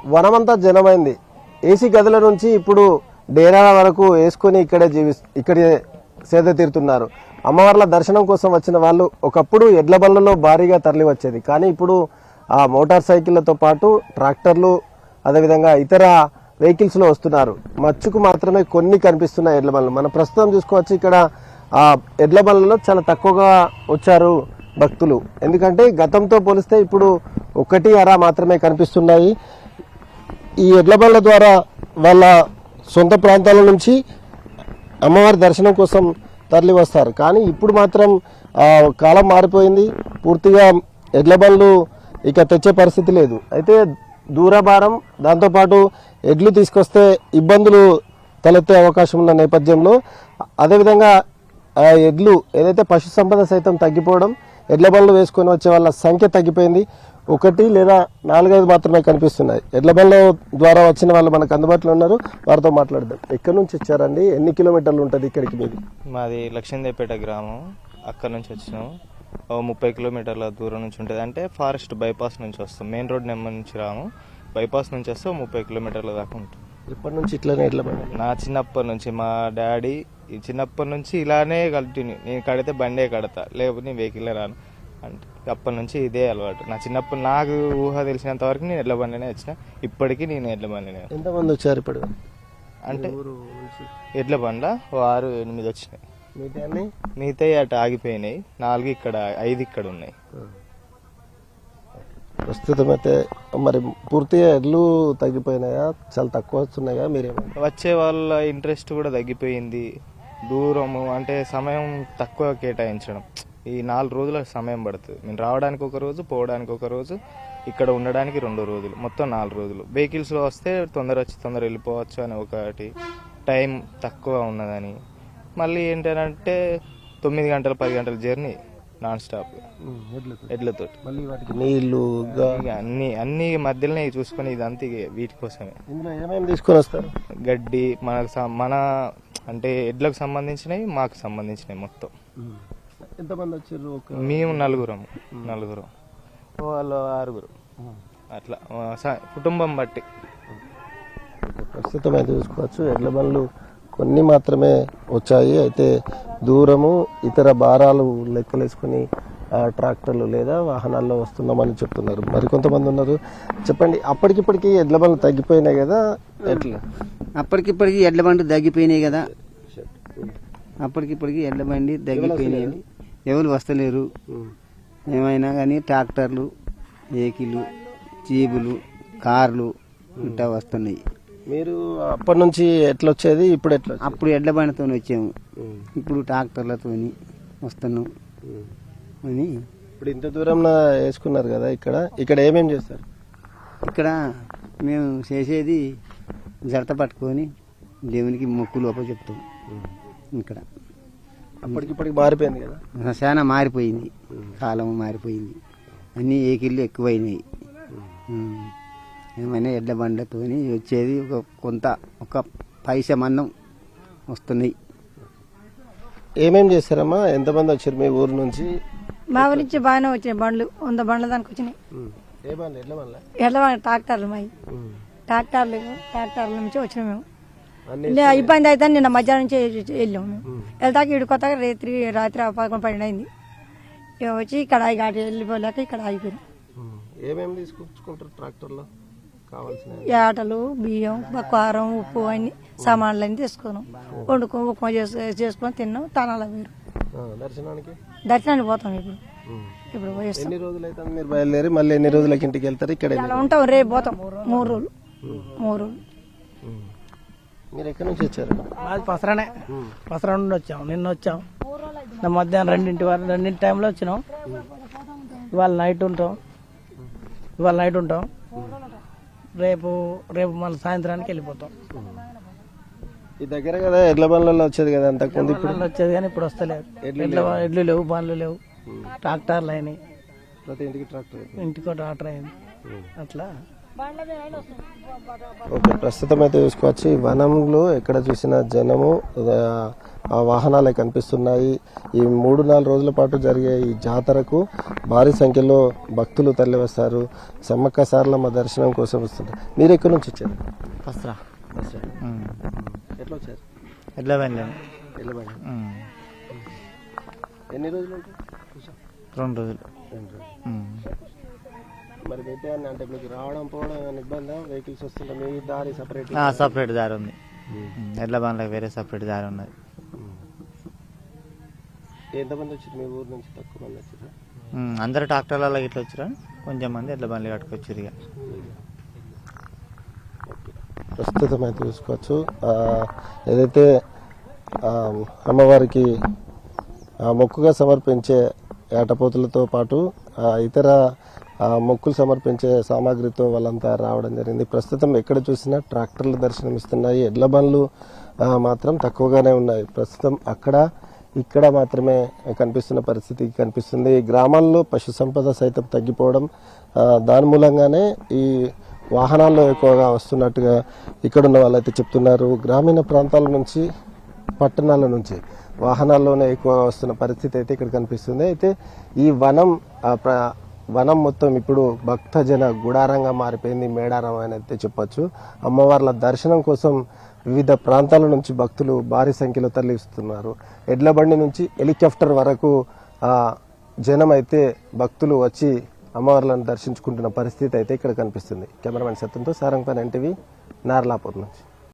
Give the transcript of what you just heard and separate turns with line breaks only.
వనమంతా జనమైంది. AC గదుల నుంచి ఇప్పుడు డేరాల వరకు వేసుకొని ఇక్కడే సేద తీరుతున్నారు. అమ్మవార్ల దర్శనం కోసం వచ్చిన వాళ్ళు ఒకప్పుడు ఎడ్ల బళ్ళలో భారీగా తరలి వచ్చేది. కానీ ఇప్పుడు ఆ మోటార్ సైకిళ్లతో పాటు ట్రాక్టర్లు అదేవిధంగా ఇతర వెహికల్స్లో వస్తున్నారు. మచ్చుకు మాత్రమే కొన్ని కనిపిస్తున్నాయి ఎడ్ల బళ్ళు. మనం ప్రస్తుతం చూసుకోవచ్చు, ఇక్కడ ఆ ఎడ్ల బళ్ళలో చాలా తక్కువగా వచ్చారు భక్తులు. ఎందుకంటే గతంతో పోలిస్తే ఇప్పుడు ఒకటి అరా మాత్రమే కనిపిస్తున్నాయి. ఈ ఎడ్ల బళ్ళ ద్వారా వాళ్ళ సొంత ప్రాంతాల నుంచి అమ్మవారి దర్శనం కోసం తరలి వస్తారు. కానీ ఇప్పుడు మాత్రం కాలం మారిపోయింది. పూర్తిగా ఎడ్ల బళ్ళు ఇక తెచ్చే పరిస్థితి లేదు. అయితే దూరభారం, దాంతోపాటు ఎడ్లు తీసుకొస్తే ఇబ్బందులు తలెత్తే అవకాశం ఉన్న నేపథ్యంలో అదేవిధంగా ఎడ్లు ఏదైతే పశు సంపద సైతం తగ్గిపోవడం, ఎడ్ల బళ్ళు వేసుకొని వచ్చే వాళ్ళ సంఖ్య తగ్గిపోయింది. 1 లేదా 4-5 మాత్రమే కనిపిస్తున్నాయి. ఎడ్ల బళ్ళ ద్వారా వచ్చిన వాళ్ళు మనకు అందుబాటులో ఉన్నారు, వారితో మాట్లాడదాం. ఎక్కడి నుంచి వచ్చారండి? ఎన్ని కిలోమీటర్లు ఉంటుంది ఇక్కడికి? మీది
మాది లక్ష్మీదేవిపేట గ్రామం. అక్కడ నుంచి వచ్చినాము. 30 కిలోమీటర్ల దూరం నుంచి ఉంటుంది. అంటే ఫారెస్ట్ బైపాస్ నుంచి వస్తాం, మెయిన్ రోడ్ నెంబర్ నుంచి రాము, బైపాస్ నుంచి వస్తే 30 కిలోమీటర్ల దాకా ఉంటుంది.
ఇప్పటి నుంచి ఇట్లానే ఎడ్ల బండి?
నా చిన్నప్పటి నుంచి, మా డాడీ చిన్నప్పటి నుంచి ఇలానే కంటిన్యూ. నేను కడితే బండే కడతా, లేకపోతే నేను వెహికల్లే రాను. అంటే అప్పటి నుంచి ఇదే అలవాటు. నా చిన్నప్పుడు నాకు ఊహ తెలిసినంత వరకు నేను ఎడ్ల బండినే వచ్చిన. ఇప్పటికీ నేను ఎడ్ల బండినే.
ఎంతమంది వచ్చారు ఇప్పుడు?
అంటే ఎడ్ల బండ్ల 6-8 వచ్చినాయి. మిగతా అటు ఆగిపోయినాయి. 4 ఇక్కడ, 5 ఇక్కడ ఉన్నాయి.
ప్రస్తుతం అయితే మరి పూర్తిగా ఎడ్లు తగ్గిపోయినాయా, చాలా తక్కువ వస్తున్నాయా? మీరేమో
వచ్చే వాళ్ళ ఇంట్రెస్ట్ కూడా తగ్గిపోయింది. దూరము అంటే సమయం తక్కువ కేటాయించడం. ఈ 4 రోజుల సమయం పడుతుంది. నేను రావడానికి 1 రోజు, పోవడానికి 1 రోజు, ఇక్కడ ఉండడానికి 2 రోజులు, మొత్తం 4 రోజులు. వెహికల్స్లో వస్తే తొందర వచ్చి తొందర వెళ్ళిపోవచ్చు అని ఒకటి, టైం తక్కువ ఉన్నదని. మళ్ళీ ఏంటంటే 9 గంటలు 10 గంటల జర్నీ నాన్ స్టాప్ ఎడ్లతో.
మళ్ళీ వాటికి నీళ్లు
అన్ని మధ్యలోనే చూసుకొని ఇదంతా వీటి కోసమే.
ఏమేమి తీసుకొని వస్తారు?
గడ్డి, మన అంటే ఎడ్లకు సంబంధించినవి, మాకు సంబంధించినవి మొత్తం.
ఎంతమంది వచ్చారు?
మేము నలుగురం, వాళ్ళు 6. అట్లా కుటుంబం బట్టి.
ప్రస్తుతం అయితే చూసుకోవచ్చు, ఎడ్ల బండ్లు కొన్ని మాత్రమే వచ్చాయి. అయితే దూరము ఇతర భారాలు లెక్కలేసుకుని ట్రాక్టర్లు లేదా వాహనాల్లో వస్తున్నామని చెప్తున్నారు. మరి కొంతమంది ఉన్నారు. చెప్పండి, అప్పటికిప్పటికి ఎడ్ల బండ్లు తగ్గిపోయినాయి కదా, ఎట్లా?
అప్పటికిప్పటికి ఎడ్ల బండ్లు తగ్గిపోయినాయి కదా, అప్పటికిప్పటికి ఎడ్ల బండి తగ్గిపోయినాయి. ఎవరు వస్తలేరు. ఏమైనా కానీ ట్రాక్టర్లు, వెహికల్, జీబులు, కార్లు ఇట్లా వస్తున్నాయి.
మీరు అప్పటి నుంచి ఎట్లా వచ్చేది, ఇప్పుడు ఎట్లా?
అప్పుడు ఎడ్ల బండితో వచ్చాము, ఇప్పుడు ట్రాక్టర్లతో వస్తున్నాం అని.
ఇప్పుడు ఇంత దూరం వేసుకున్నారు కదా, ఇక్కడ ఏమేమి చేస్తారు?
ఇక్కడ మేము చేసేది జడత పట్టుకొని దేవునికి మొక్కులు ఒప్ప చెప్తాం. ఇక్కడ
అప్పటికిప్పటికి మారిపోయింది కదా,
చాలా మారిపోయింది, కాలం మారిపోయింది, అన్నీ ఏకిళ్ళు ఎక్కువైనాయి. ఏమైనా ఎడ్ల బండ్లతో వచ్చేది ఒక పైసా మందం వస్తున్నాయి.
ఏమేమి చేస్తారమ్మా? ఎంతమంది వచ్చారు మీ ఊరు నుంచి?
మా ఊరి నుంచి బాగానే వచ్చినాయి బండ్లు, 100 బండ్ల దానికి వచ్చినాయి.
ఏ బండ్లు?
ఎడ్ల బండ్లు, ట్రాక్టర్లు, మావి ట్రాక్టర్ల నుంచి వచ్చినాం మేము. ఇబ్బంది అయితే నిన్న మధ్యాహ్నం నుంచి వెళ్ళాము మేము. వెళ్తాక ఇటు కొత్తగా రాత్రి 11-12 అయింది. వచ్చి ఇక్కడ వెళ్ళిపోలేక ఇక్కడ ఆగిపోయినాం.
ఏమేమి తీసుకొచ్చుకుంటారు ట్రాక్టర్లో? కావాల్సిన
ఏటలు, బియ్యం, కారం, ఉప్పు అన్ని సామాన్లు అన్ని తీసుకున్నాం. వండుకొని ఉప్మా చేసుకొని తిన్నాం. తనాల వేరు దర్శనానికి పోతాం. ఇప్పుడు
ఎన్ని రోజులు అయితే మీరు బయలుదేరి మళ్ళీ ఎన్ని రోజులకి ఇంటికి వెళ్తారు? ఇక్కడ
ఉంటాం, రేపు పోతాం. 3 రోజులు. 3 రోజులు.
మీరు ఎక్కడి నుంచి వచ్చారు?
మాది పసరా నుండి వచ్చాం. నిన్న వచ్చాం, మధ్యాహ్నం 2 టైంలో వచ్చినాం. ఇవాళ నైట్ ఉంటాం. రేపు మళ్ళీ సాయంత్రానికి వెళ్ళిపోతాం.
ఈ దగ్గర కదా ఎడ్ల బండ్లలో వచ్చేది కదా అంతకుముందు? ఇప్పుడు
వచ్చేది కానీ ఇప్పుడు వస్తలేదు. ఎడ్లు లేవు, బండ్లు లేవు, ట్రాక్టర్లు అయినాయి.
ప్రతి ఇంటికి ట్రాక్టర్,
ఇంటికో ట్రాక్టర్ అయింది. అట్లా
ఓకే, ప్రస్తుతం అయితే చూసుకోవచ్చు ఈ వనంలో ఎక్కడ చూసిన జనము ఆ వాహనాలే కనిపిస్తున్నాయి. ఈ 3-4 రోజుల పాటు జరిగే ఈ జాతరకు భారీ సంఖ్యలో భక్తులు తరలివస్తారు. సమ్మక్క సారలమ్మ దర్శనం కోసం వస్తుంటారు. మీరు ఎక్కడి నుంచి వచ్చారు?
వస్త్రా
ఎట్లా వచ్చారు?
ఎట్లా వెళ్ళాను
వెళ్ళబడి ఎన్ని రోజులు ఉంటారు?
2 రోజులు
మరి అయితే అంటే మీకు రావడం పోవడం ఏమైనా ఇబ్బందా? వెహికల్స్ వస్తుంటే మీ దారి సపరేట్?
సపరేట్ దారి ఉంది. ఎడ్ల బండ్లకు వేరే సపరేట్ దారి ఉన్నది.
ఎంతమంది వచ్చారు మీ ఊరు నుంచి? తక్కువ మంది వచ్చారు.
అందరు ట్రాక్టర్లలో ఇట్లా వచ్చారు, కొంచెం మంది ఎడ్ల బండ్లు కట్టుకొచ్చారు. ఇక
ప్రస్తుతం అయితే చూసుకోవచ్చు ఏదైతే అమ్మవారికి మొక్కుగా సమర్పించే ఏటపోతులతో పాటు ఇతర మొక్కులు సమర్పించే సామాగ్రితో వాళ్ళంతా రావడం జరిగింది. ప్రస్తుతం ఎక్కడ చూసినా ట్రాక్టర్లు దర్శనమిస్తున్నాయి. ఎడ్ల బండ్లు మాత్రం తక్కువగానే ఉన్నాయి. ప్రస్తుతం అక్కడ ఇక్కడ మాత్రమే కనిపిస్తున్న పరిస్థితి కనిపిస్తుంది. గ్రామాల్లో పశు సంపద సైతం తగ్గిపోవడం, దాని మూలంగానే ఈ వాహనాల్లో ఎక్కువగా వస్తున్నట్టుగా ఇక్కడున్న వాళ్ళైతే చెప్తున్నారు. గ్రామీణ ప్రాంతాల నుంచి పట్టణాల నుంచి వాహనాల్లోనే ఎక్కువ వస్తున్న పరిస్థితి అయితే ఇక్కడ కనిపిస్తుంది. అయితే ఈ వనం మొత్తం ఇప్పుడు భక్తజన గుడారంగా మారిపోయింది, మేడారం అని అయితే చెప్పొచ్చు. అమ్మవార్ల దర్శనం కోసం వివిధ ప్రాంతాల నుంచి భక్తులు భారీ సంఖ్యలో తరలిస్తున్నారు. ఎడ్ల బండి నుంచి హెలికాప్టర్ వరకు జనం అయితే భక్తులు వచ్చి అమ్మవార్లను దర్శించుకుంటున్న పరిస్థితి అయితే ఇక్కడ కనిపిస్తుంది. కెమెరామెన్ సత్యంతో సారంగపల్లి NTV, నార్లాపూర్ నుంచి.